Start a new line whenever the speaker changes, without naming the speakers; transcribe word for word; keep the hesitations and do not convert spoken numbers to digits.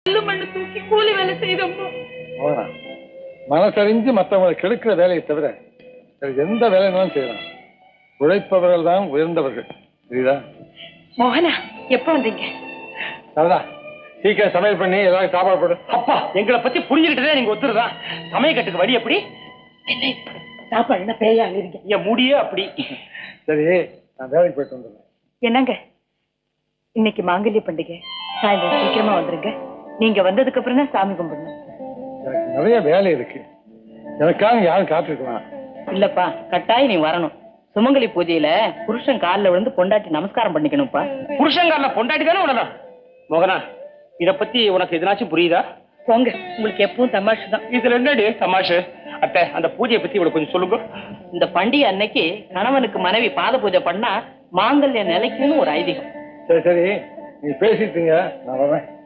மண்ணு தூக்கி கூலி வேலை செய்தோமோ.
மனசறிஞ்சு மற்றவங்களை கெடுக்கிற வேலையை தவிர எந்த வேலைனாலும் செய்யலாம். உழைப்பவர்கள் தான் உயர்ந்தவர்கள். புரியுதா?
மோகனா, எப்ப வந்தீங்க?
அதான் சீக்கிரம் சமையல் பண்ணி ஏதாவது சாப்பாடு போடு.
அப்பா, எங்களை பத்தி புரிஞ்சுக்கிட்டதே நீங்க ஒத்துருதான். சமயக்கட்டுக்கு வழி எப்படி?
சாப்பாடு என்ன பேயா இருங்க.
என் முடியே அப்படி.
சரி, நான் வேலைக்கு போயிட்டு வந்துடுறேன்.
என்னங்க, இன்னைக்கு மாங்கல்ய பண்டிகை, சாயந்தரம் சீக்கிரமா வந்துருங்க. நீங்க வந்ததுக்கு அப்புறம் தான் சாமி கும்பிடணும்.
எனக்கு நிறைய வேலை இருக்கு. எனக்காக யாரும் காத்திருக்கலாம்.
இல்லப்பா, கட்டாயம் நீ வரணும். சுமங்கலி பூஜையில புருஷன் காலில் விழுந்து பொண்டாட்டி நமஸ்காரம் பண்ணிக்கணும்ப்பா.
புருஷங்கால பொண்டாட்டி தானே விடலாம். மோகனா, இத பத்தி உனக்கு எதனாச்சும் புரியுதா?
போங்க, உங்களுக்கு எப்பவும் தமாஷு தான்.
இதுல என்னடி தமாஷு? அத்தை, அந்த பூஜையை பத்தி இவ்வளவு கொஞ்சம் சொல்லுங்க.
இந்த பண்டிகை அன்னைக்கு கணவனுக்கு மனைவி பாத பூஜை பண்ணா மாங்கல்ய நிலைக்குன்னு ஒரு ஐதீகம்.
சரி சரி, நீ பேசிட்டீங்க, நான் வரேன்.